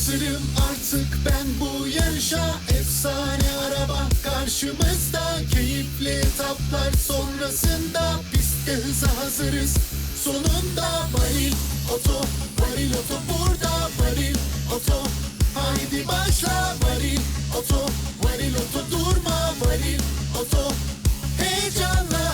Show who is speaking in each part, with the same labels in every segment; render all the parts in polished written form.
Speaker 1: hazırım artık ben bu yarışa. Efsane araba karşımızda, keyifli etaplar sonrasında pistte hıza hazırız. Sonunda Varil Oto, Varil Oto burada. Varil Oto, haydi başla. Varil Oto, Varil Oto durma. Varil Oto, heyecanla.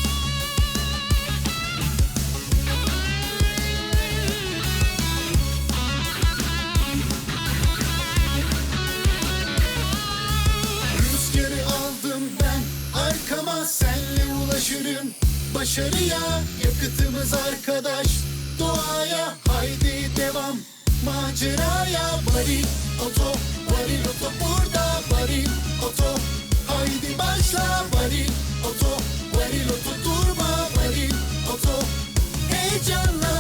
Speaker 1: Rüzgarı aldım ben arkama, senle ulaşırım başarıya. Yakıtımız arkadaş doğaya, haydi devam maceraya. Varil Oto, Varil Oto burada. Varil Oto, haydi başla. Varil Oto, Varil Oto durma. Varil Oto, heyecanla.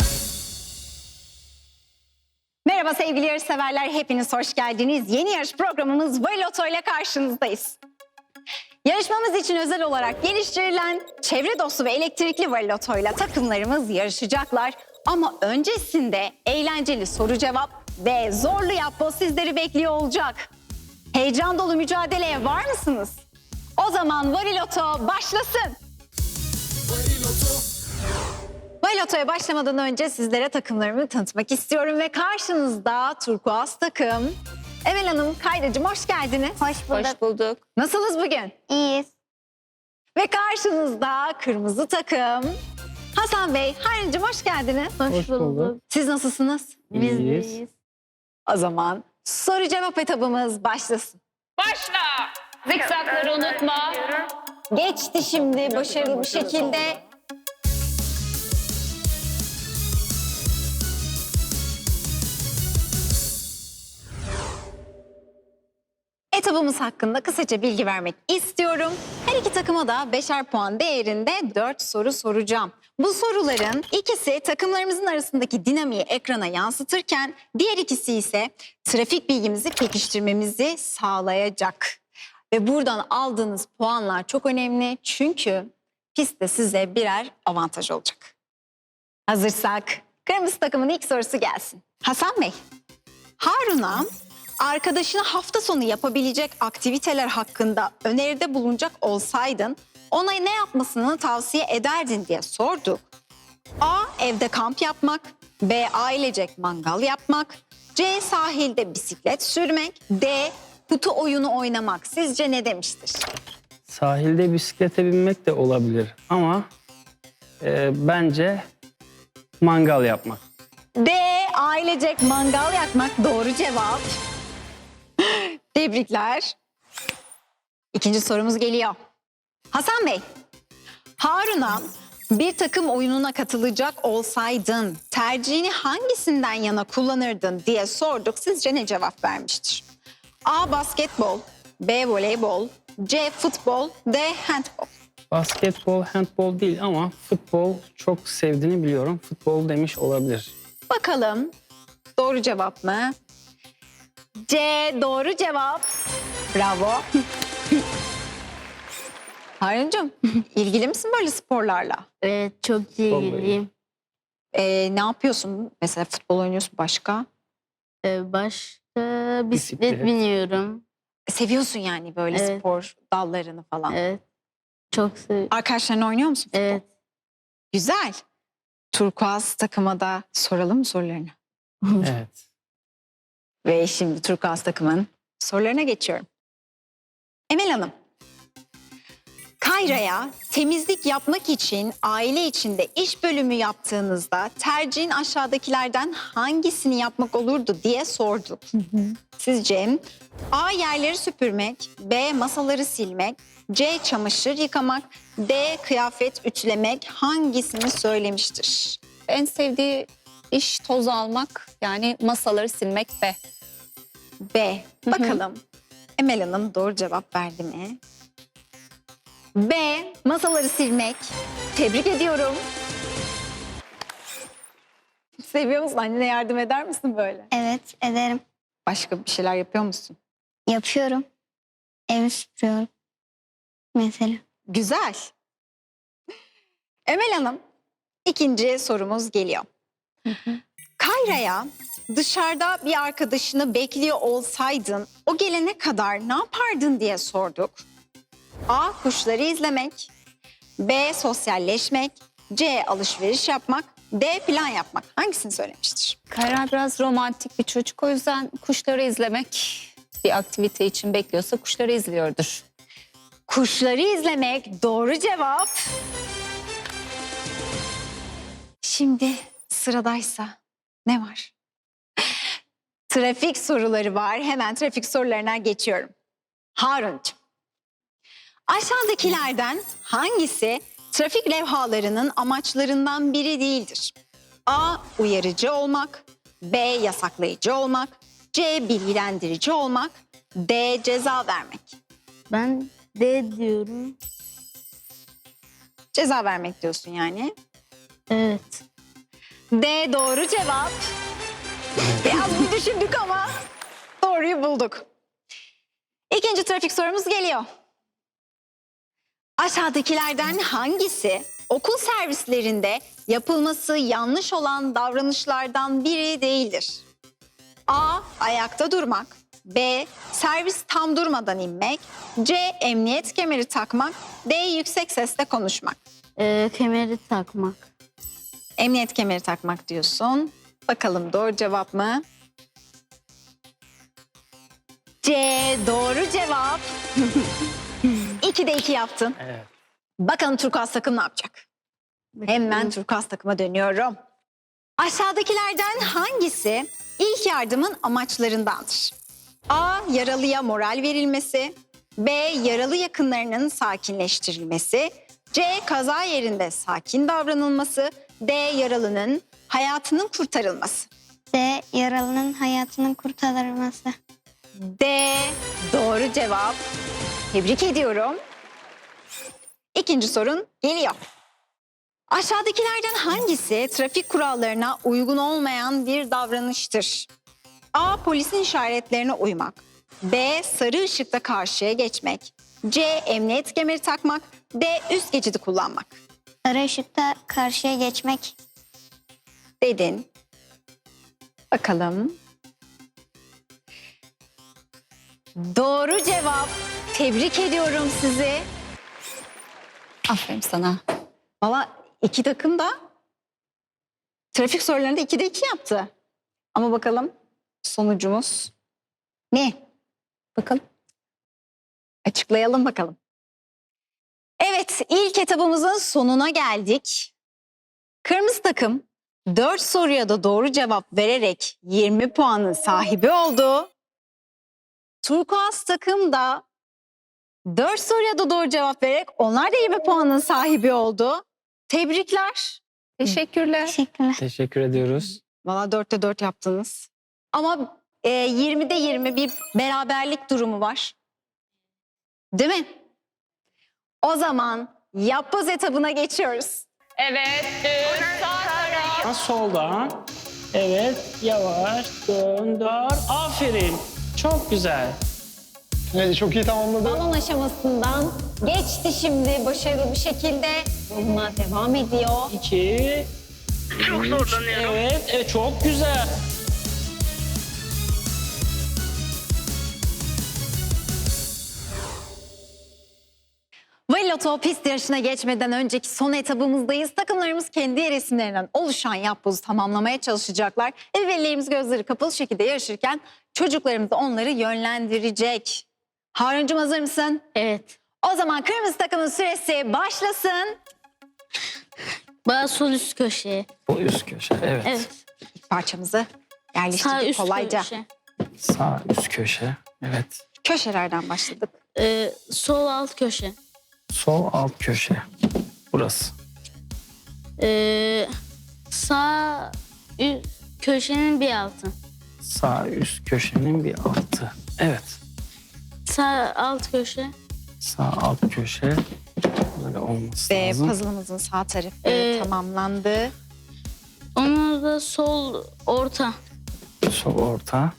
Speaker 2: Merhaba sevgili yarışseverler, hepiniz hoş geldiniz. Yeni yarış programımız Varil Oto ile karşınızdayız. Yarışmamız için özel olarak geliştirilen çevre dostu ve elektrikli Varil Oto ile takımlarımız yarışacaklar. Ama öncesinde eğlenceli soru cevap ve zorlu yapboz sizleri bekliyor olacak. Heyecan dolu mücadeleye var mısınız? O zaman Varil Oto başlasın.
Speaker 1: Varil Oto.
Speaker 2: Varil Oto'ya başlamadan önce sizlere takımlarımı tanıtmak istiyorum ve karşınızda turkuaz takım. Emel Hanım, Kayracığım hoş geldiniz.
Speaker 3: Hoş bulduk.
Speaker 4: Hoş bulduk.
Speaker 2: Nasılsınız bugün?
Speaker 3: İyiyiz.
Speaker 2: Ve karşınızda kırmızı takım. Hasan Bey, Harun'cum hoş geldiniz.
Speaker 3: Hoş bulduk.
Speaker 2: Siz nasılsınız?
Speaker 3: Biz de
Speaker 4: İyiyiz.
Speaker 3: iyiyiz.
Speaker 2: O zaman soru cevap etabımız başlasın.
Speaker 4: Başla. Zikzakları unutma.
Speaker 2: Geçti şimdi başarılı bir şekilde. Etabımız hakkında kısaca bilgi vermek istiyorum. Her iki takıma da 5'er puan değerinde 4 soru soracağım. Bu soruların ikisi takımlarımızın arasındaki dinamiği ekrana yansıtırken diğer ikisi ise trafik bilgimizi pekiştirmemizi sağlayacak. Ve buradan aldığınız puanlar çok önemli çünkü pistte size birer avantaj olacak. Hazırsak kırmızı takımın ilk sorusu gelsin. Hasan Bey, Harun'a arkadaşına hafta sonu yapabilecek aktiviteler hakkında öneride bulunacak olsaydın ona ne yapmasını tavsiye ederdin diye sorduk. A. Evde kamp yapmak. B. Ailecek mangal yapmak. C. Sahilde bisiklet sürmek. D. Kutu oyunu oynamak. Sizce ne demiştir?
Speaker 5: Sahilde bisiklete binmek de olabilir ama bence mangal yapmak.
Speaker 2: D. Ailecek mangal yakmak doğru cevap. Tebrikler. İkinci sorumuz geliyor. Hasan Bey, Harun'a bir takım oyununa katılacak olsaydın tercihini hangisinden yana kullanırdın diye sorduk. Sizce ne cevap vermiştir? A. Basketbol, B. Voleybol, C. Futbol, D. Handbol.
Speaker 5: Basketbol, handbol değil ama futbol çok sevdiğini biliyorum. Futbol demiş olabilir.
Speaker 2: Bakalım doğru cevap mı? C doğru cevap. Bravo. Harun'cum ilgili misin böyle sporlarla?
Speaker 3: Evet, çok ilgiliyim.
Speaker 2: Ne yapıyorsun? Mesela futbol oynuyorsun, başka?
Speaker 3: Başka bisiklet
Speaker 5: Bisiklet.
Speaker 3: biniyorum.
Speaker 2: Seviyorsun yani böyle
Speaker 3: Evet.
Speaker 2: spor dallarını falan.
Speaker 3: Evet. Çok seviyorum.
Speaker 2: Arkadaşlarınla oynuyor musun futbol?
Speaker 3: Evet.
Speaker 2: Güzel. Turkuaz takıma da soralım mı sorularını?
Speaker 5: Evet.
Speaker 2: Ve şimdi Turkuaz takımın sorularına geçiyorum. Emel Hanım, Kayra'ya temizlik yapmak için aile içinde iş bölümü yaptığınızda tercihin aşağıdakilerden hangisini yapmak olurdu diye sorduk. Sizce A. Yerleri süpürmek, B. Masaları silmek, C. Çamaşır yıkamak, D. Kıyafet ütülemek hangisini söylemiştir?
Speaker 4: En sevdiği iş toz almak, yani masaları silmek be.
Speaker 2: B. Bakalım Emel Hanım doğru cevap verdi mi? B. Masaları silmek. Tebrik ediyorum. Seviyor musun? Annene yardım eder misin böyle?
Speaker 3: Evet, ederim.
Speaker 2: Başka bir şeyler yapıyor musun?
Speaker 3: Yapıyorum. Evi süpürüyorum. Mesela.
Speaker 2: Güzel. Emel Hanım, ikinci sorumuz geliyor. Kayra'ya dışarıda bir arkadaşını bekliyor olsaydın o gelene kadar ne yapardın diye sorduk. A. Kuşları izlemek. B. Sosyalleşmek. C. Alışveriş yapmak. D. Plan yapmak. Hangisini söylemiştir?
Speaker 4: Kayra biraz romantik bir çocuk. O yüzden kuşları izlemek bir aktivite için bekliyorsa kuşları izliyordur.
Speaker 2: Kuşları izlemek doğru cevap. Şimdi sıradaysa ne var? Trafik soruları var. Hemen trafik sorularına geçiyorum. Haruncuğum, aşağıdakilerden hangisi trafik levhalarının amaçlarından biri değildir? A. Uyarıcı olmak. B. Yasaklayıcı olmak. C. Bilgilendirici olmak. D. Ceza vermek.
Speaker 3: Ben D diyorum.
Speaker 2: Ceza vermek diyorsun yani.
Speaker 3: Evet.
Speaker 2: D doğru cevap. Biraz bir düşündük ama doğruyu bulduk. İkinci trafik sorumuz geliyor. Aşağıdakilerden hangisi okul servislerinde yapılması yanlış olan davranışlardan biri değildir? A. Ayakta durmak. B. Servis tam durmadan inmek. C. Emniyet kemeri takmak. D. Yüksek sesle konuşmak.
Speaker 3: Kemeri takmak.
Speaker 2: Emniyet kemeri takmak diyorsun. Bakalım doğru cevap mı? C doğru cevap. 2'de 2 yaptın.
Speaker 5: Evet.
Speaker 2: Bakalım turkuaz takım ne yapacak? Hemen turkuaz takıma dönüyorum. Aşağıdakilerden hangisi ilk yardımın amaçlarındandır? A. Yaralıya moral verilmesi. B. Yaralı yakınlarının sakinleştirilmesi. C. Kaza yerinde sakin davranılması. D. Yaralının hayatının kurtarılması.
Speaker 3: D. Yaralının hayatının kurtarılması.
Speaker 2: D. Doğru cevap. Tebrik ediyorum. İkinci sorun geliyor. Aşağıdakilerden hangisi trafik kurallarına uygun olmayan bir davranıştır? A. Polisin işaretlerine uymak. B. Sarı ışıkta karşıya geçmek. C. Emniyet kemeri takmak. D. Üst geçidi kullanmak.
Speaker 3: Sarı ışıkta karşıya geçmek.
Speaker 2: Dedin. Bakalım. Doğru cevap. Tebrik ediyorum sizi.
Speaker 4: Aferin sana.
Speaker 2: Valla iki takım da trafik sorularında 2'de 2 yaptı. Ama bakalım sonucumuz ne? Bakalım. Açıklayalım bakalım. Evet, ilk etabımızın sonuna geldik. Kırmızı takım 4 soruya da doğru cevap vererek 20 puanın sahibi oldu. Turkuaz takım da 4 soruya da doğru cevap vererek onlar da 20 puanın sahibi oldu. Tebrikler.
Speaker 4: Teşekkürler.
Speaker 3: Teşekkürler.
Speaker 5: Teşekkür ediyoruz.
Speaker 2: Valla 4'te 4 yaptınız. Ama 20'de 20 bir beraberlik durumu var. Değil mi? O zaman yapboz etabına geçiyoruz.
Speaker 4: Evet. Sağ taraf.
Speaker 5: Soldan. Evet. Yavaş. Döndür. Aferin. Çok güzel.
Speaker 6: Evet, çok iyi tamamladı.
Speaker 2: Balon aşamasından geçti şimdi başarılı bir şekilde. Yoluna devam ediyor.
Speaker 5: 2. Çok zorlanıyorum. Evet. Evet. Çok güzel.
Speaker 2: Valiloto pist yarışına geçmeden önceki son etabımızdayız. Takımlarımız kendi yer isimlerinden oluşan yapbozu tamamlamaya çalışacaklar. Velilerimiz gözleri kapalı şekilde yarışırken çocuklarımız da onları yönlendirecek. Haruncuğum hazır mısın?
Speaker 3: Evet.
Speaker 2: O zaman kırmızı takımın süresi başlasın.
Speaker 3: Bağ sol üst köşeye.
Speaker 5: Bu üst köşe. Evet.
Speaker 3: Evet.
Speaker 2: İlk parçamızı
Speaker 3: Sağ
Speaker 2: yerleştirdik
Speaker 3: üst
Speaker 2: kolayca.
Speaker 3: köşe.
Speaker 5: Sağ üst köşe. Evet.
Speaker 2: Köşelerden başladık.
Speaker 3: Sol alt köşe.
Speaker 5: Sol alt köşe. Burası.
Speaker 3: Sağ köşenin bir altı.
Speaker 5: Sağ üst köşenin bir altı. Evet.
Speaker 3: Sağ alt köşe.
Speaker 5: Sağ alt köşe. Böyle olması
Speaker 2: Ve
Speaker 5: lazım.
Speaker 2: puzzle'ımızın sağ tarafı tamamlandı.
Speaker 3: Onun da sol orta.
Speaker 5: Sol orta.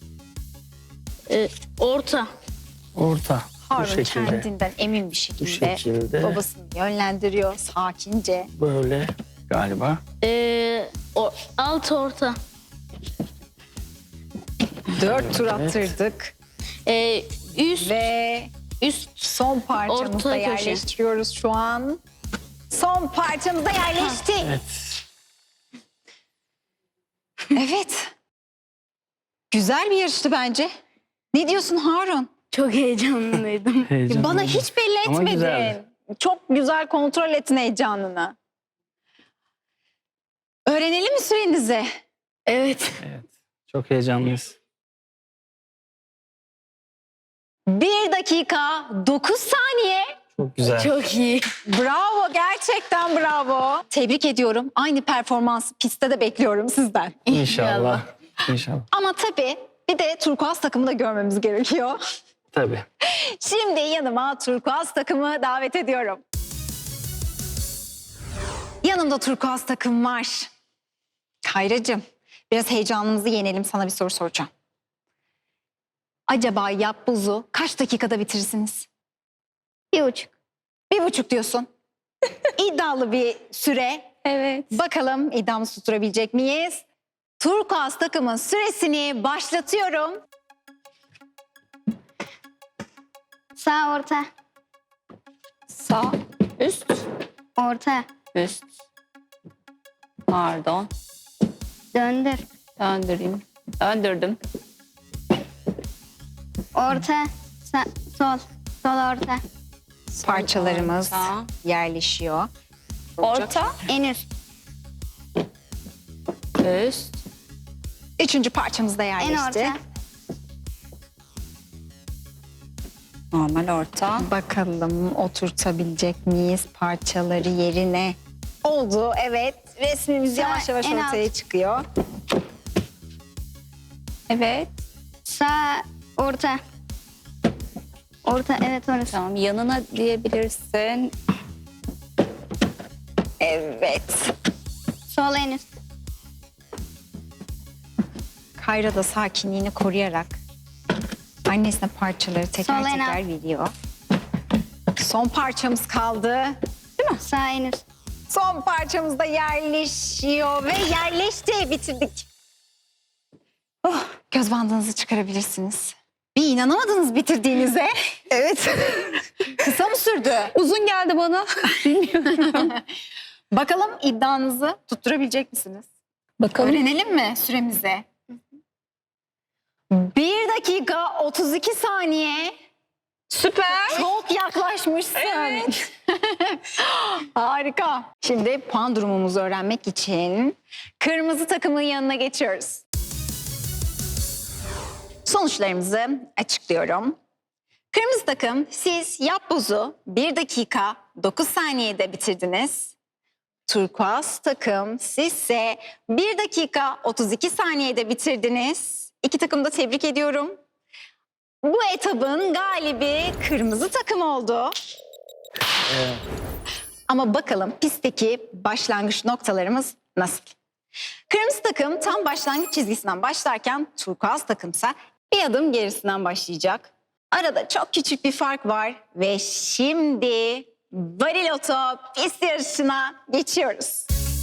Speaker 3: Orta.
Speaker 5: Orta. Bu
Speaker 2: Harun
Speaker 5: şekilde.
Speaker 2: kendinden emin bir şekilde,
Speaker 5: şekilde.
Speaker 2: babasını yönlendiriyor sakince.
Speaker 5: Böyle galiba.
Speaker 3: Alt orta.
Speaker 2: 4 tur attırdık.
Speaker 3: Üst
Speaker 2: Ve
Speaker 3: üst
Speaker 2: son parçamızda
Speaker 3: Orta köşe.
Speaker 2: yerleştiriyoruz şu an. Son parçamızda yerleşti.
Speaker 5: Evet.
Speaker 2: Evet. Güzel bir yarıştı bence. Ne diyorsun Harun?
Speaker 3: çok heyecanlıydım.
Speaker 5: Heyecanlı.
Speaker 2: Bana hiç belli
Speaker 5: Ama
Speaker 2: etmedin.
Speaker 5: güzeldi.
Speaker 2: Çok güzel kontrol ettin heyecanını. Öğrenelim mi sürenizi?
Speaker 3: Evet.
Speaker 5: Evet. Çok heyecanlıyız.
Speaker 2: 1 dakika 9 saniye.
Speaker 5: Çok güzel.
Speaker 3: Çok iyi.
Speaker 2: Bravo, gerçekten bravo. Tebrik ediyorum. Aynı performansı pistte de bekliyorum sizden.
Speaker 5: İnşallah. İnşallah.
Speaker 2: Ama tabii bir de turkuaz takımı da görmemiz gerekiyor.
Speaker 5: Tabii.
Speaker 2: Şimdi yanıma turkuaz takımı davet ediyorum. Yanımda turkuaz takım var. Kayracığım, biraz heyecanımızı yenelim, sana bir soru soracağım. Acaba yapbozu kaç dakikada bitirirsiniz?
Speaker 3: 1,5.
Speaker 2: 1,5 diyorsun. İddialı bir süre.
Speaker 4: Evet.
Speaker 2: Bakalım iddiamızı tutturabilecek miyiz? Turkuaz takımın süresini başlatıyorum.
Speaker 7: Sağ orta,
Speaker 4: Sağ, üst,
Speaker 7: orta,
Speaker 4: üst. Pardon.
Speaker 7: döndür,
Speaker 4: Döndüreyim. Döndürdüm.
Speaker 7: orta, sol, sol orta,
Speaker 2: Parçalarımız
Speaker 4: Orta.
Speaker 2: yerleşiyor.
Speaker 4: Orta,
Speaker 7: en üst,
Speaker 4: üst.
Speaker 2: 3. parçamız da
Speaker 7: en
Speaker 2: yerleşti.
Speaker 7: orta,
Speaker 2: Normal orta. Bakalım oturtabilecek miyiz parçaları yerine? Oldu, evet. Resmimiz
Speaker 7: Sağ,
Speaker 2: yavaş yavaş
Speaker 7: en alt.
Speaker 2: ortaya çıkıyor.
Speaker 4: Evet.
Speaker 7: sağ orta, orta, evet orası,
Speaker 4: Tamam, yanına diyebilirsin.
Speaker 2: Evet.
Speaker 7: sol en üst,
Speaker 2: Kayra da sakinliğini koruyarak annesine parçaları teker
Speaker 7: Sol en
Speaker 2: teker
Speaker 7: alt.
Speaker 2: veriyor. Son parçamız kaldı.
Speaker 7: sağ en üst,
Speaker 2: Son parçamız da yerleşiyor ve yerleşti. Bitirdik. Oh, göz bandınızı çıkarabilirsiniz. Bir inanamadınız bitirdiğinize. Evet. Kısa mı sürdü?
Speaker 4: Uzun geldi bana.
Speaker 2: Bakalım iddianızı tutturabilecek misiniz?
Speaker 4: Bakalım.
Speaker 2: Öğrenelim mi süremizi? 1 dakika 32 saniye.
Speaker 4: Süper.
Speaker 2: Çok yaklaşmışsın. Harika. Şimdi puan durumumuzu öğrenmek için kırmızı takımın yanına geçiyoruz. Sonuçlarımızı açıklıyorum. Kırmızı takım, siz yapbozu 1 dakika 9 saniyede bitirdiniz. Turkuaz takım, sizse 1 dakika 32 saniyede bitirdiniz. İki takımı da tebrik ediyorum. Bu etabın galibi kırmızı takım oldu. Ama bakalım pistteki başlangıç noktalarımız nasıl? Kırmızı takım tam başlangıç çizgisinden başlarken turkuaz takımsa bir adım gerisinden başlayacak. Arada çok küçük bir fark var ve şimdi Bariloto pist yarışına geçiyoruz.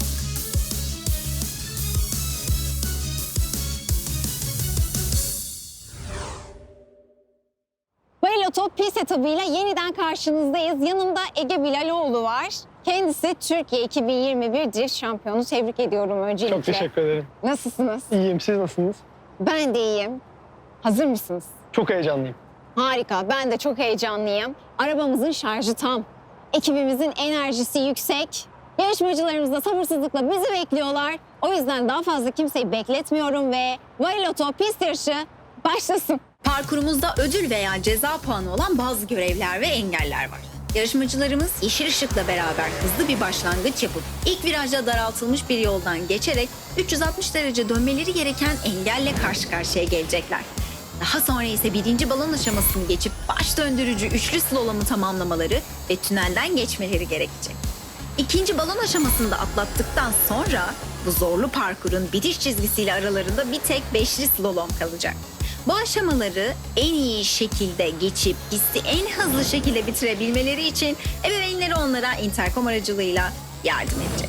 Speaker 2: Bariloto pist etabıyla yeniden karşınızdayız. Yanımda Ege Bilaloğlu var. Kendisi Türkiye 2021 Drift Şampiyonu. Tebrik ediyorum öncelikle.
Speaker 6: Çok teşekkür ederim.
Speaker 2: Nasılsınız?
Speaker 6: İyiyim. Siz nasılsınız?
Speaker 2: Ben de iyiyim. Hazır mısınız?
Speaker 6: Çok heyecanlıyım.
Speaker 2: Harika, ben de çok heyecanlıyım. Arabamızın şarjı tam. Ekibimizin enerjisi yüksek. Yarışmacılarımız da sabırsızlıkla bizi bekliyorlar. O yüzden daha fazla kimseyi bekletmiyorum ve Bariloto pist yarışı başlasın.
Speaker 8: Parkurumuzda ödül veya ceza puanı olan bazı görevler ve engeller var. Yarışmacılarımız yeşil ışıkla beraber hızlı bir başlangıç yapıp ilk virajda daraltılmış bir yoldan geçerek 360 derece dönmeleri gereken engelle karşı karşıya gelecekler. Daha sonra ise birinci balon aşamasını geçip baş döndürücü üçlü slalomu tamamlamaları ve tünelden geçmeleri gerekecek. İkinci balon aşamasında atlattıktan sonra bu zorlu parkurun bitiş çizgisiyle aralarında bir tek beşli slalom kalacak. Bu aşamaları en iyi şekilde geçip pisti en hızlı şekilde bitirebilmeleri için ebeveynleri onlara interkom aracılığıyla yardım edecek.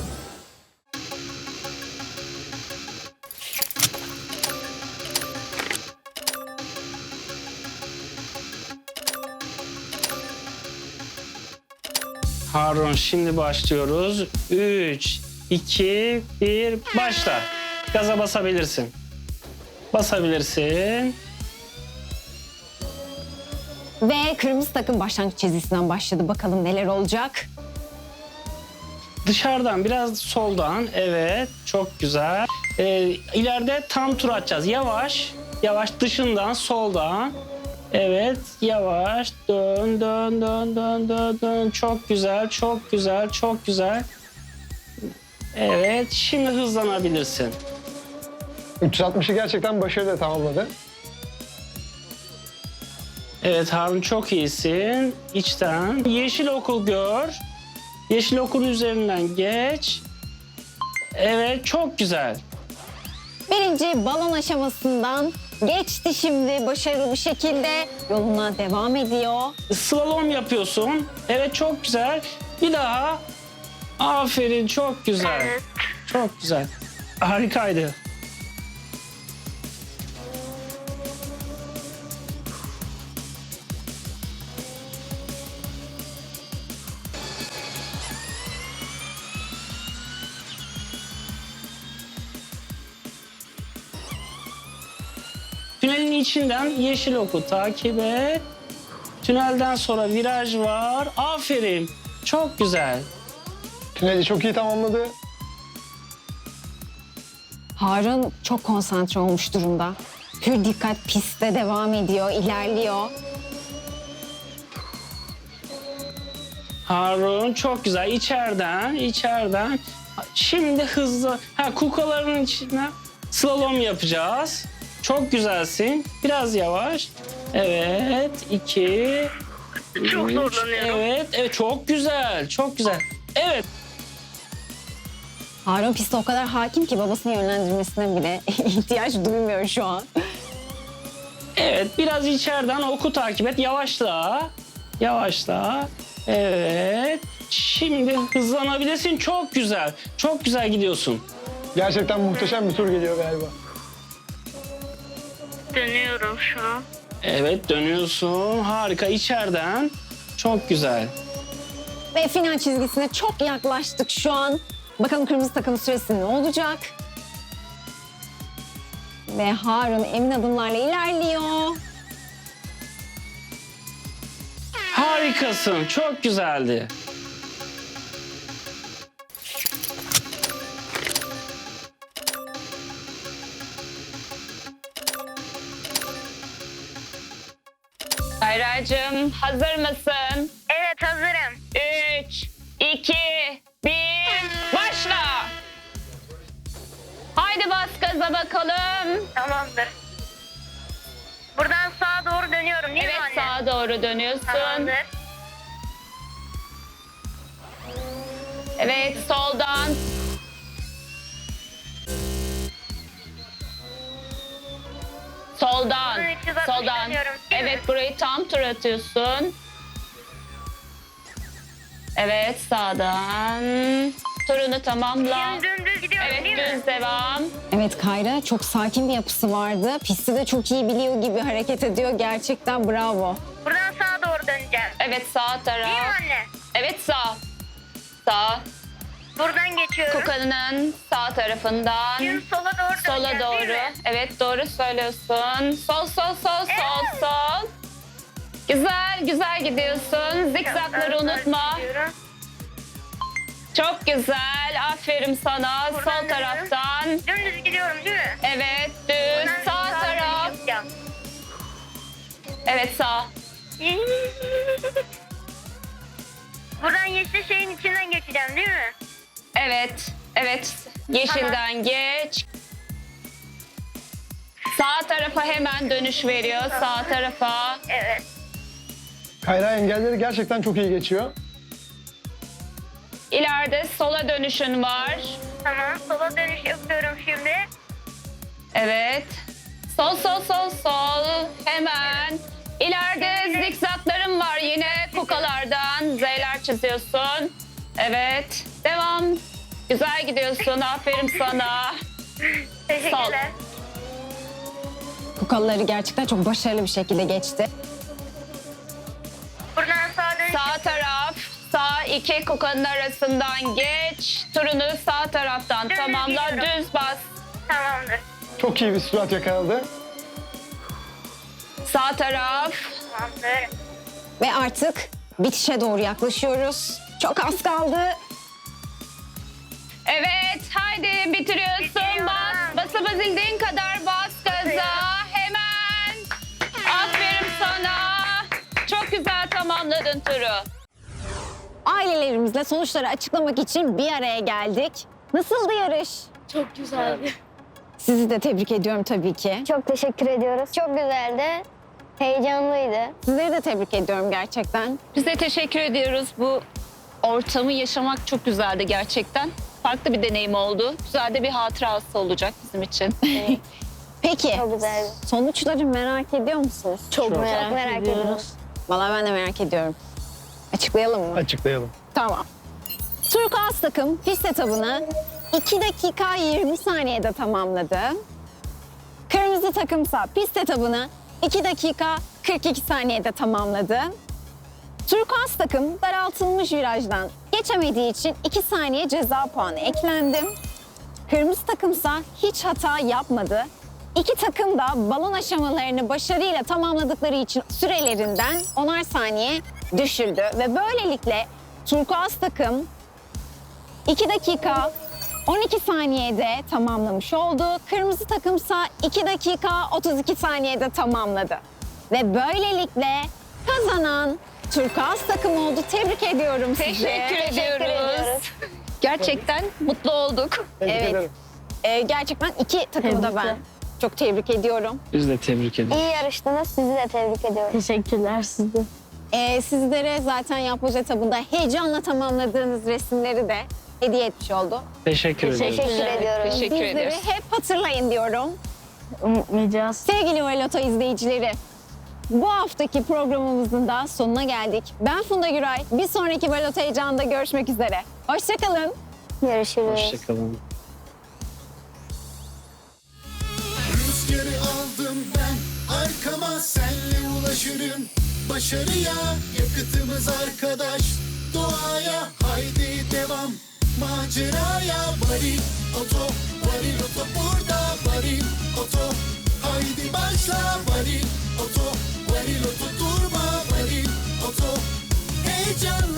Speaker 5: Harun şimdi başlıyoruz. 3, 2, 1 başla. Gaza basabilirsin. Basabilirsin.
Speaker 2: Ve kırmızı takım başlangıç çizgisinden başladı. Bakalım neler olacak.
Speaker 5: Dışarıdan biraz soldan. Evet, çok güzel. İleride tam tur atacağız. Yavaş, yavaş dışından soldan. Evet, yavaş dön, dön, dön, dön, dön, dön. Çok güzel, çok güzel, çok güzel. Evet, şimdi hızlanabilirsin.
Speaker 6: 360'ı gerçekten başarıyla tamamladı.
Speaker 5: Evet Harun çok iyisin. İçten. Yeşil okul gör. Yeşil okulun üzerinden geç. Evet, çok güzel.
Speaker 2: Birinci balon aşamasından geçti şimdi başarılı bir şekilde. Yoluna devam ediyor.
Speaker 5: Slalom yapıyorsun. Evet, çok güzel. Bir daha. Aferin, çok güzel. Çok güzel. Harikaydı. Tünelin içinden yeşil oku takip et. Tünelden sonra viraj var. Aferin. Çok güzel.
Speaker 6: Tüneli çok iyi tamamladı.
Speaker 2: Harun çok konsantre olmuş durumda. Pür dikkat pistte devam ediyor, ilerliyor.
Speaker 5: Harun çok güzel. İçeriden, içeriden. Şimdi hızlı. Kukaların içine slalom yapacağız. Çok güzelsin. Biraz yavaş. Evet. 2. Çok zorlanıyorum. Evet. Evet. Çok güzel. Çok güzel. Evet.
Speaker 2: Harun pistte o kadar hakim ki babasının yönlendirmesine bile ihtiyaç duymuyor şu an.
Speaker 5: Evet. Biraz içeriden oku takip et. Yavaşla. Yavaşla. Evet. Şimdi hızlanabilirsin. Çok güzel. Çok güzel gidiyorsun.
Speaker 6: Gerçekten muhteşem bir tur geliyor galiba.
Speaker 3: Dönüyorum şu an.
Speaker 5: Evet, dönüyorsun. Harika. İçeriden. Çok güzel.
Speaker 2: Ve final çizgisine çok yaklaştık şu an. Bakalım kırmızı takım süresi ne olacak? Ve Harun emin adımlarla ilerliyor.
Speaker 5: Harikasın. Çok güzeldi.
Speaker 4: Kayracığım hazır mısın?
Speaker 7: Evet hazırım.
Speaker 4: 3, 2, 1 başla. Haydi bas gaza bakalım.
Speaker 7: Tamamdır. Buradan sağa doğru dönüyorum değil
Speaker 4: Evet,
Speaker 7: mi anne?
Speaker 4: sağa doğru dönüyorsun.
Speaker 7: Tamamdır.
Speaker 4: Evet, soldan. Soldan.
Speaker 7: Buradan 360
Speaker 4: Soldan.
Speaker 7: dönüyorum, değil mi?
Speaker 4: Evet, burayı tam tur atıyorsun. Evet, sağdan. Turunu tamamla.
Speaker 7: Şimdi dümdüz gidiyorum
Speaker 4: Evet,
Speaker 7: değil mi?
Speaker 4: düz devam.
Speaker 2: Evet Kayra çok sakin bir yapısı vardı. Pisti de çok iyi biliyor gibi hareket ediyor. Gerçekten bravo.
Speaker 7: Buradan sağa doğru döneceğim.
Speaker 4: Evet, sağ taraf.
Speaker 7: Değil mi anne?
Speaker 4: Evet, sağ. Sağ.
Speaker 7: Buradan geçiyorum.
Speaker 4: Kukanın sağ tarafından.
Speaker 7: Şimdi sola doğru
Speaker 4: Sola
Speaker 7: döneceğim değil
Speaker 4: doğru.
Speaker 7: mi?
Speaker 4: Evet, doğru söylüyorsun. Sol, sol, sol, sol, sol. Güzel, güzel gidiyorsun. Zikzakları unutma.
Speaker 7: Gidiyorum.
Speaker 4: Çok güzel. Aferin sana.
Speaker 7: Buradan
Speaker 4: Sol
Speaker 7: dönüyorum.
Speaker 4: taraftan.
Speaker 7: Dümdüz gidiyorum değil mi?
Speaker 4: Evet, düz.
Speaker 7: Buradan
Speaker 4: Sağ
Speaker 7: sağa
Speaker 4: taraf.
Speaker 7: dönüş yapacağım.
Speaker 4: Evet, sağ.
Speaker 7: Buradan yeşil şeyin içinden geçeceğim değil mi?
Speaker 4: Evet, evet. Yeşilden geç. Sağ tarafa hemen dönüş veriyor. Sağ tarafa.
Speaker 7: Evet.
Speaker 6: Kayra engelleri gerçekten çok iyi geçiyor.
Speaker 4: İleride sola dönüşün var.
Speaker 7: Tamam. Sola dönüş yapıyorum şimdi.
Speaker 4: Evet. Sol, sol, sol, sol. Hemen. İleride zikzakların var yine kukalardan. Z'ler çiziyorsun. Evet. Devam. Güzel gidiyorsun. Aferin sana.
Speaker 7: Teşekkürler.
Speaker 2: Kukaları gerçekten çok başarılı bir şekilde geçti.
Speaker 7: Buradan sağa dönüş
Speaker 4: Sağ taraf. Sağ İki kukanın arasından geç. Turunu sağ taraftan
Speaker 7: Dümdüz
Speaker 4: tamamla.
Speaker 7: gidiyorum.
Speaker 4: Düz bas.
Speaker 7: Tamamdır.
Speaker 6: Çok iyi bir sürat yakaladı.
Speaker 4: Sağ taraf.
Speaker 7: Tamamdır.
Speaker 2: Ve artık bitişe doğru yaklaşıyoruz. Çok az kaldı.
Speaker 4: Evet, haydi bitiriyorsun.
Speaker 7: Bitiriyorum.
Speaker 4: Bas, basabildiğin kadar bas gaza. Hemen. Aferin sana. Çok güzel tamamladın turu.
Speaker 2: Ailelerimizle sonuçları açıklamak için bir araya geldik. Nasıldı yarış?
Speaker 3: Çok güzeldi.
Speaker 2: Sizi de tebrik ediyorum tabii ki.
Speaker 3: Çok teşekkür ediyoruz. Çok güzeldi. Heyecanlıydı.
Speaker 2: Sizleri de tebrik ediyorum gerçekten.
Speaker 4: Biz de teşekkür ediyoruz. Bu ortamı yaşamak çok güzeldi gerçekten. Farklı bir deneyim oldu. Güzel de bir hatırası olacak bizim için.
Speaker 2: Peki
Speaker 3: Çok güzeldi.
Speaker 2: sonuçları merak ediyor musunuz?
Speaker 3: Çok merak ediyoruz.
Speaker 2: Vallahi ben de merak ediyorum. Açıklayalım mı?
Speaker 6: Açıklayalım.
Speaker 2: Tamam. Turkuaz takım pist etabını 2 dakika 20 saniyede tamamladı. Kırmızı takımsa pist etabını 2 dakika 42 saniyede tamamladı. Turkuaz takım daraltılmış virajdan geçemediği için 2 saniye ceza puanı eklendi. Kırmızı takımsa hiç hata yapmadı. İki takım da balon aşamalarını başarıyla tamamladıkları için sürelerinden 10'ar saniye düşüldü. Ve böylelikle turkuaz takım 2 dakika 12 saniyede tamamlamış oldu. Kırmızı takımsa 2 dakika 32 saniyede tamamladı. Ve böylelikle kazanan turkuaz takım oldu. Tebrik ediyorum sizi.
Speaker 4: Teşekkür ediyoruz. Gerçekten mutlu olduk.
Speaker 6: Tebrik
Speaker 2: Evet.
Speaker 6: ederim.
Speaker 2: Gerçekten iki takımı da ben çok tebrik ediyorum.
Speaker 5: Biz de tebrik ederiz.
Speaker 3: İyi yarıştınız. Sizi de tebrik ediyorum. Teşekkürler siz de.
Speaker 2: Sizlere zaten yapboz etabında heyecanla tamamladığınız resimleri de hediye etmiş oldu.
Speaker 5: Teşekkür ederiz.
Speaker 3: Teşekkür ediyorum.
Speaker 4: Teşekkür
Speaker 2: Bizleri
Speaker 4: ederiz.
Speaker 2: hep hatırlayın diyorum.
Speaker 3: Unutmayacağız.
Speaker 2: Sevgili Valoto izleyicileri, bu haftaki programımızın da sonuna geldik. Ben Funda Güray. Bir sonraki Valoto heyecanında görüşmek üzere. Hoşçakalın.
Speaker 3: Görüşürüz.
Speaker 5: Hoşçakalın.
Speaker 1: Rüzgarı aldım ben arkama senle ulaşırım. Başarıya yakıtımız arkadaş. Doğaya haydi devam. Maceraya varil oto. Varil oto burada varil oto. Haydi başla varil oto. Varil oto durma varil oto. Heyecanla